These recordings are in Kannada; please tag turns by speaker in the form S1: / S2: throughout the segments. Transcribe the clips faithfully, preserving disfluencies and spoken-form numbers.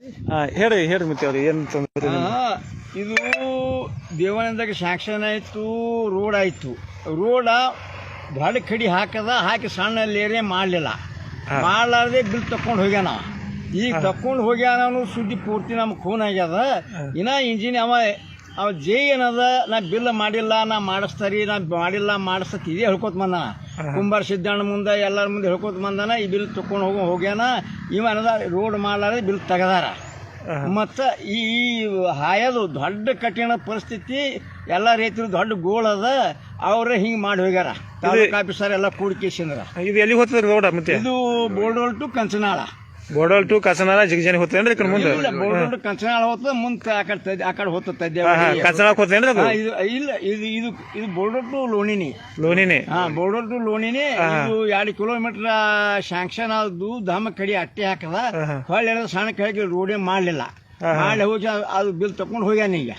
S1: ಹೇಳಿ ಹೇಳಿ ಮತ್ತೆ ಅವ್ರು ಏನು ತೊಂದರೆ?
S2: ಇದು ದೇವಾನಂದಕ್ಕೆ ಶಾಂಕ್ಷನ್ ಆಯಿತು, ರೋಡ್ ಆಯಿತು. ರೋಡ ದೊಡ್ಡ ಕಡಿ ಹಾಕದ, ಹಾಕಿ ಸಣ್ಣ ಲೇರೆ ಮಾಡಲಿಲ್ಲ. ಮಾಡಲಾರ್ದೆ ಬಿಲ್ ತಕೊಂಡು ಹೋಗ್ಯಾನ. ಈಗ ತಕೊಂಡು ಹೋಗ್ಯಾನ ಅನ್ನೋ ಸುದ್ದಿ ಪೂರ್ತಿ ನಮ್ಗೆ ಖೂನ್ ಆಗ್ಯದ. ಇನ್ನ ಇಂಜಿನ್ ಅವ ಅವ ಜೈ ಏನದ, ನಾ ಬಿಲ್ ಮಾಡಿಲ್ಲ, ನಾ ಮಾಡಿಸ್ತಾರಿ, ನಾ ಮಾಡಿಲ್ಲ ಮಾಡಿಸ್ತತಿ ಇದೇ ಹೇಳ್ಕೊತ ಬಂದಾನ. ಕುಂಬಾರ ಸಿದ್ದಣ್ಣ ಮುಂದೆ ಎಲ್ಲರ ಮುಂದೆ ಹೇಳ್ಕೊತ ಬಂದಾನ. ಈ ಬಿಲ್ ತಕೊಂಡು ಹೋಗೋ ಹೋಗ್ಯಾನ. ಇವ ಏನದ ರೋಡ್ ಮಾಡಲಾರ್ದೆ ಬಿಲ್ ತೆಗದಾರ. ಮತ್ತು ಈ ಹಾಯೋದು ದೊಡ್ಡ ಕಠಿಣ ಪರಿಸ್ಥಿತಿ. ಎಲ್ಲ ರೈತರು ದೊಡ್ಡ ಗೋಳ್ ಅದ, ಅವ್ರೆ ಹಿಂಗೆ ಮಾಡಿ ಹೋಗ್ಯಾರ. ತಾಲೂಕು ಆಫೀಸರ್ ಎಲ್ಲ ಕೂಡಿಕೇಶಂದ್ರ.
S1: ಇದು ಎಲ್ಲಿ ಹೋಗ್ತದೆ ರೋಡ್? ಮತ್ತೆ
S2: ಇದು ಬೋರ್ಡೋಲ್ ಟು ಕಂಚನಾಳ.
S1: ಬೋರ್ಡೋಲ್ ಟು ಕಸನಾಳ ಜಿಗಜಾನಿ ಹೋಗ್ತೇನ್ರಿ? ಈ ಕಡೆ ಮುಂದೆ
S2: ಬೋರ್ಡೋಲ್ ಟು ಕಂಚನಾಳ ಹೋಗ್ತದೆ, ಮುಂದೆ ಆ ಕಡೆ ಆ ಕಡೆ ಹೋಗ್ತದೆ.
S1: ಕಸನಾಳ ಹೋಗ್ತೇನ್ರಿ?
S2: ಇದು ಇಲ್ಲ, ಇದು ಇದು ಇದು ಬೋರ್ಡೋಲ್ ಟು ಲೋಣಿನಿ.
S1: ಲೋಣಿನಿ? ಹಾ,
S2: ಬೋರ್ಡೋಲ್ ಟು ಲೋಣಿನಿ. ಇದು ಎರಡು ಕಿಲೋಮೀಟರ್ ಶಾಂಕ್ಷನ್ ಆದ್ದು, ಧಾಮ ಕಡಿ ಅಟ್ಟೆ ಹಾಕದ. ಹೊಳ್ಳಿ ಸಣ್ಣ ಕಡೆಗೆ ರೋಡೇ ಮಾಡಲಿಲ್ಲ. ಮಾಡಿ ಹೋಗಿ ಅದು ಬಿಲ್ ತಕೊಂಡು ಹೋಗ್ಯಾನ ಈಗ.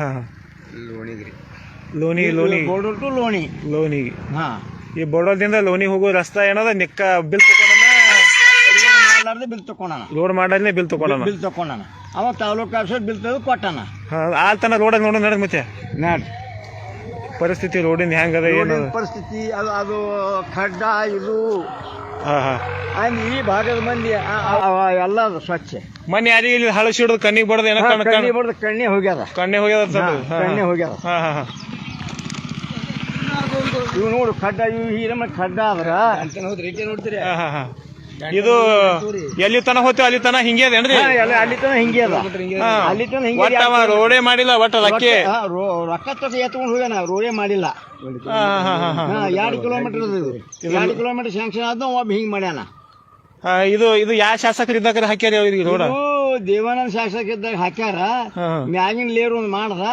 S1: ಲೋಣಿ ಲೋಣಿ
S2: ಬೋರ್ಡೋಲ್ ಟು ಲೋಣಿ
S1: ಲೋಣಿ.
S2: ಹಾ,
S1: ಈ ಬೋರ್ಡೋಲ್ದಿಂದ ಲೋಣಿ ಹೋಗೋ ರಸ್ತಾ ಏನದ ನಿಕ್ಕ ಬಿಲ್ ತಗೊಂಡ
S2: ಬಿಲ್ ತಕೊಂಡಾನ.
S1: ರೋಡ್ ಮಾಡಲೇ ಬಿಲ್ ತಗೊಂಡ
S2: ಬಿಲ್ ತಕೊಂಡಾನ. ಅವ ತಾಲೂಕು ಆಫೀಸರ್ ಬಿಲ್ ತೆಗೆದು ಕೊಟ್ಟಾನ.
S1: ಆಲ್ತನ ರೋಡ್ ನೋಡ ನಡ ಮತ್ತೆ
S2: ನೋಡ್ರಿ
S1: ಪರಿಸ್ಥಿತಿ ರೋಡಿನ ಹೆಂಗದ, ಏನು
S2: ಪರಿಸ್ಥಿತಿ. ಅದು ಅದು ಖಡ್ಡ ಇದು.
S1: ಹಾ ಹಾ
S2: ಈ ಭಾಗದ ಮಂದಿ ಎಲ್ಲ ಸ್ವಚ್ಛ.
S1: ಮೊನ್ನೆ ಯಾರಿಗೆ ಇಲ್ಲಿ ಹಳಸಿ ಹಿಡಿದು ಕಣ್ಣಿಗೆ ಬಡದ ಏನೋ
S2: ಕಣ್ಣಿ ಬಡ್ದು ಕಣ್ಣೆ ಹೋಗ್ಯದ.
S1: ಕಣ್ಣೆ ಹೋಗ್ಯದ
S2: ಕಣ್ಣೆ ಹೋಗ್ಯದ.
S1: ಹಾ ಹಾ ಹಾ
S2: ಇವ್ ನೋಡು ಖಡ್ಡ, ಇವ್ ಈ ನಮ್ಮ ಖಡ್ಡ ಆದ್ರ ನೋಡ್ತೀರಿ.
S1: ಹಾ ಹಾ ಇದು ಎಲ್ಲಿ ತನ ಹೋಗ್ತೇವೆ ಅಲ್ಲಿ ತನ ಹಿಂಗೆ ಅದೇನ್ರಿ?
S2: ಅಲ್ಲಿ ತನ ಹಿಂಗೆ ಅದ. ಅಲ್ಲಿ ತನ ಹಿಂಗೆ
S1: ರೋಡೇ ಮಾಡಿಲ್ಲ. ಒಟ್ಟ ರೊಕ್ಕ
S2: ರೊಕ್ಕ ತಗ ಎತ್ಕೊಂಡು ಹೋಗ್ಯಾನ. ರೋಡೇ ಮಾಡಿಲ್ಲ. ಎರಡು ಕಿಲೋಮೀಟರ್ ಎರಡು ಕಿಲೋಮೀಟರ್ ಶಾಂಕ್ಷನ್ ಆದ, ಒಬ್ಬ ಹಿಂಗ್ ಮಾಡ್ಯಾನ.
S1: ಇದು ಇದು ಯಾವ ಶಾಸಕರು ಇದ್ದಾಗ ಹಾಕ್ಯಾರ ಅವ್ರಿಗೆ ರೋಡ?
S2: ದೇವಾನಂದ ಶಾಸಕ ಇದ್ದಾಗ ಹಾಕ್ಯಾರ. ಮ್ಯಾಗಿನ ಲೇರ್ ಒಂದ್ ಮಾಡ್ದ,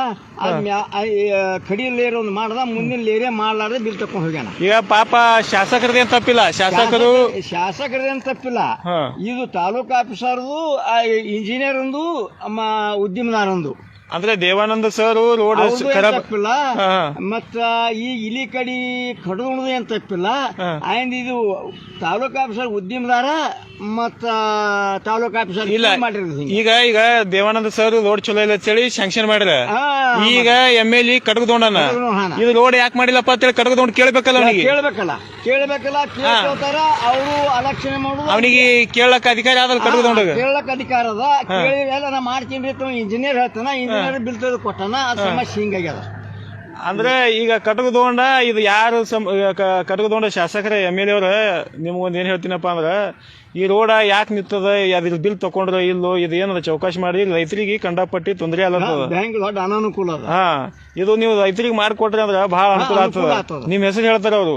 S2: ಕಡಿ ಲೇರ್ ಒಂದ್ ಮಾಡ್ದ, ಮುಂದಿನ ಲೇರೇ ಮಾಡ್ಲಾರ್ದೆ ಬಿಲ್ ತಕೊಂಡ್ ಹೋಗ್ಯಾನ.
S1: ಈಗ ಪಾಪ ಶಾಸಕರದೇನ್ ತಪ್ಪಿಲ್ಲ. ಶಾಸಕರು
S2: ಶಾಸಕರದೇನ್ ತಪ್ಪಿಲ್ಲ. ಇದು ತಾಲೂಕು ಆಫೀಸರ್ದು, ಇಂಜಿನಿಯರ್ ಒಂದು, ಉದ್ಯಮದಾರೊಂದು.
S1: ಅಂದ್ರೆ ದೇವಾನಂದ ಸರ್ ರೋಡ್
S2: ತಪ್ಪಿಲ್ಲ. ಮತ್ತ ಈ ಇಲಿ ಕಡಿ ಕಡದು ಏನ್ ತಪ್ಪಿಲ್ಲ. ಅಂಡ್ ಇದು ತಾಲೂಕು ಆಫೀಸರ್ ಉದ್ಯಮದಾರ ಮತ್ತ ತಾಲೂಕು ಆಫೀಸರ್
S1: ಇಲ್ಲ. ಈಗ ಈಗ ದೇವಾನಂದ ಸರ್ ರೋಡ್ ಚಲೋ ಇಲ್ಲ ಅಂತೇಳಿ ಶಾಂಕ್ಷನ್ ಮಾಡಿರ. ಈಗ ಎಮ್ ಎಲ್ ಎ ಕಡಗದೊಂಡನ ಇದು ರೋಡ್ ಯಾಕೆ ಮಾಡಿಲ್ಲಪ್ಪ ಅಂತೇಳಿ ಕಡಗದೊಂಡ್ ಕೇಳ್ಬೇಕಲ್ಲ ಅವನಿಗೆ.
S2: ಕೇಳ್ಬೇಕಲ್ಲ ಕೇಳ್ಬೇಕಲ್ಲ ಕೇಳ್ತಾರ ಅವರು ಅಲಕ್ಷಣೆ ಮಾಡುದು.
S1: ಅವನಿಗೆ ಕೇಳಕ್ ಅಧಿಕಾರ ಆದಲ್ಲ ಕಡಗದೊಂಡ.
S2: ಕೇಳಕ್ ಅಧಿಕಾರ ಅದ. ಕೇಳಿ ನಾ ಮಾಡ್ತೀನಿ ಇಂಜಿನಿಯರ್ ಹೇಳ್ತಾನ. ಇಂಜಿನಿಯರ್ ಬಿಲ್ ತೆಗೆದು ಕೊಟ್ಟಾನ. ಆ ಸಮಸ್ಯೆ ಹಿಂಗಾಗ್ಯದ.
S1: ಅಂದ್ರೆ ಈಗ ಕಟಕದೊಂಡ ಇದು ಯಾರು ಕಟಕದೊಂಡ ಶಾಸಕರ ಎಮ್ ಎಲ್ ಎ ಅವ್ರ ನಿಮ್ಗೊಂದು ಏನ್ ಹೇಳ್ತೀನಪ್ಪ ಅಂದ್ರ, ಈ ರೋಡ ಯಾಕೆ ನಿಂತದ, ಅದ್ರ ಬಿಲ್ ತಕೊಂಡ್ರ ಇಲ್ಲೋ, ಇದು ಏನದ ಚೌಕಾಶಿ ಮಾಡಿ ರೈತರಿಗೆ ಕಂಡಪಟ್ಟಿ ತೊಂದರೆ ಅಲ್ಲತ್ತದ.
S2: ದೊಡ್ಡ ಅನಾನುಕೂಲ.
S1: ಹಾ, ಇದು ನೀವು ರೈತರಿಗೆ ಮಾಡ್ಕೊಟ್ರಿ ಅಂದ್ರ ಬಹಳ ಅನುಕೂಲ ಆಗ್ತದ. ನಿಮ್ ಹೆಸರು ಹೇಳ್ತಾರ ಅವರು.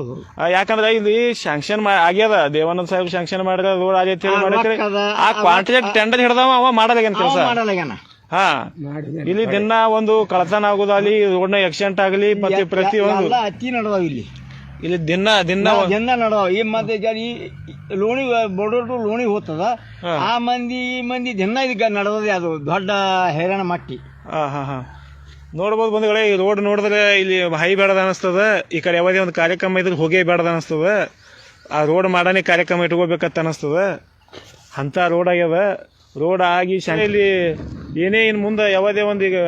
S1: ಯಾಕಂದ್ರ ಇಲ್ಲಿ ಶಾಂಕ್ಷನ್ ಆಗ್ಯದ. ದೇವಾನಂದ ಸಾಹೇಬ್ ಶಾಂಕ್ಷನ್ ಮಾಡಿದ್ರ ರೋಡ್ ಆಗೈತಿ ಮಾಡಿದ್ರೆ ಆ ಕಾಂಟ್ರಾಕ್ಟ್ ಟೆಂಡರ್ ಹಿಡ್ದವ ಅವ ಮಾಡಲ್ಲ ಕೆಲಸ. ಹಾ, ಇಲ್ಲಿ ದಿನ ಒಂದು ಕಳತನ ಆಗುದು ಅಲ್ಲಿ, ರೋಡ್ನ ಆಕ್ಸಿಡೆಂಟ್ ಆಗಲಿ, ಮತ್ತೆ ಪ್ರತಿಯೊಂದು
S2: ಅತಿ ನಡೆದಾವ ಇಲ್ಲಿ.
S1: ಇಲ್ಲಿ ದಿನ ದಿನ
S2: ದಿನ ನಡೆದಾವ. ಈ ಮತ್ತೆ ಲೋಣಿ ಬೋರ್ಡರ್ ಟು ಲೋಣಿ ಹೋಗ್ತದ. ಆ ಮಂದಿ ಈ ಮಂದಿ ದಿನ ಈಗ ನಡೆದದೆ. ಅದು ದೊಡ್ಡ ಹೈರಾಣ ಮಟ್ಟಿ.
S1: ಹಾ ಹಾ ಹಾ ನೋಡ್ಬೋದು ಬಂಧುಗಳೇ, ಈ ರೋಡ್ ನೋಡಿದ್ರೆ ಇಲ್ಲಿ ಹೈ ಬೇಡದ ಅನಿಸ್ತದ. ಈ ಕಡೆ ಯಾವುದೇ ಒಂದು ಕಾರ್ಯಕ್ರಮ ಇದ್ರೆ ಹೋಗೇ ಬೇಡದ ಅನಿಸ್ತದ. ಆ ರೋಡ್ ಮಾಡಾನೆ ಕಾರ್ಯಕ್ರಮ ಇಟ್ಕೋಬೇಕಂತ ಅನಿಸ್ತದ. ಅಂತ ರೋಡ್ ಆಗ್ಯದ. ರೋಡ್ ಆಗಿ ಶಾಲೆಯಲ್ಲಿ ಏನೇ ಇನ್ನು ಮುಂದೆ ಯಾವುದೇ ಒಂದು ಈಗ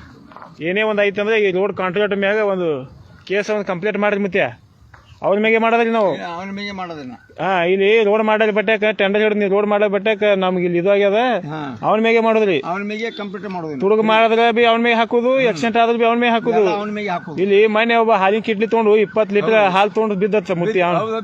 S1: ಏನೇ ಒಂದು ಐತೆ ಅಂದ್ರೆ ಈ ರೋಡ್ ಕಾಂಟ್ರಾಕ್ಟ್ ಮ್ಯಾಗ ಒಂದು ಕೇಸ್ ಒಂದು ಕಂಪ್ಲೇಂಟ್ ಮಾಡ್ರಿ. ಮತ್ತೆ ಅವ್ರ ಮ್ಯಾಗೆ ಮಾಡೋದ್ರಿ ನಾವು.
S2: ಅವನ ಮ್ಯಾಗೆ ಮಾಡೋದನ್ನ.
S1: ಹಾ, ಇಲ್ಲಿ ರೋಡ್ ಮಾಡೋದ್ ಬಟ್ಟೆಕ ಟೆಂಡರ್ ಹಿಡಿದು ನೀವು ರೋಡ್ ಮಾಡೋ ಬಟ್ಟೆಕ ನಮ್ಗೆ ಇಲ್ಲಿ ಇದು ಆಗ್ಯದ, ಅವನ ಮ್ಯಾಗೆ ಮಾಡೋದ್ರಿ.
S2: ಅವನ ಮ್ಯಾಗೆ ಕಂಪ್ಯೂಟರ್ ಮಾಡೋದು.
S1: ತುಡುಗ ಮಾಡಿದ್ರೆ ಬಿ ಅವನ ಮ್ಯಾಗೆ ಹಾಕುದು, ಆಕ್ಸಿಡೆಂಟ್ ಆದ್ರೆ ಬಿ ಅವನ ಮ್ಯಾಗೆ ಹಾಕುದು. ಇಲ್ಲಿ ಮೊನ್ನೆ ಒಬ್ಬ ಹಾಲಿನ ಕಿಟ್ಲಿ ತೊಗೊಂಡು ಇಪ್ಪತ್ತು ಲೀಟರ್ ಹಾಲು ತೊಗೊಂಡು ಬಿದ್ದತ್ತ ಮುತ್ತಿ.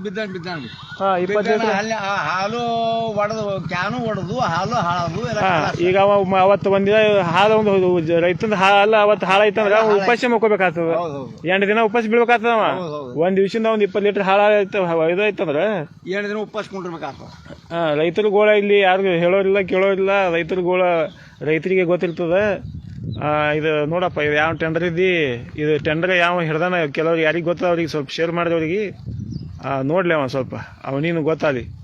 S2: ಹಾಲು ಒಡೆದು ಕ್ಯಾನು ಒಡೆದು ಹಾಲು ಹಾಳದು.
S1: ಈಗ ಅವತ್ತು ಒಂದಿನ ಹಾಲು ಒಂದು ರೈತಂದ ಹಾಲ ಅವತ್ತು ಹಾಳಾಯ್ತಂದ್ರ ಉಪಾಸ ಮಾಡ್ಕೋಬೇಕಾಗ್ತದ. ಎಂಟು ದಿನ ಉಪಾಸ ಬೀಳ್ಬೇಕಾಗ್ತದ. ಒಂದ್ ದಿವಸದಿಂದ ಒಂದ್ ಇಪ್ಪತ್ತು ಲೀಟರ್ ಹಾಳ ಇದೈತಂದ್ರ
S2: ಎರಡು ದಿನ ಉಪವಾಸ ಕೊಂಡಿರ್ಬೇಕಾಗ್ತದ.
S1: ಹಾ, ರೈತರ ಗೋಳ ಇಲ್ಲಿ ಯಾರು ಹೇಳೋರಿಲ್ಲ ಕೇಳೋರಿಲ್ಲ. ರೈತರ ಗೋಳ ರೈತರಿಗೆ ಗೊತ್ತಿರ್ತದ. ಇದು ನೋಡಪ್ಪ, ಇದು ಯಾವ ಟೆಂಡರ್ ಇದ್ದಿ, ಇದು ಟೆಂಡರ್ ಯಾವ ಹಿಡ್ದಾನ ಕೆಲವ್ರಿಗೆ ಯಾರಿಗೆ ಗೊತ್ತ ಅವ್ರಿಗೆ ಸ್ವಲ್ಪ ಶೇರ್ ಮಾಡಿದವ್ರಿಗೆ ನೋಡ್ಲಿ ಅವ ಸ್ವಲ್ಪ ಅವನಿಗೆ ಗೊತ್ತಾಗಲಿ.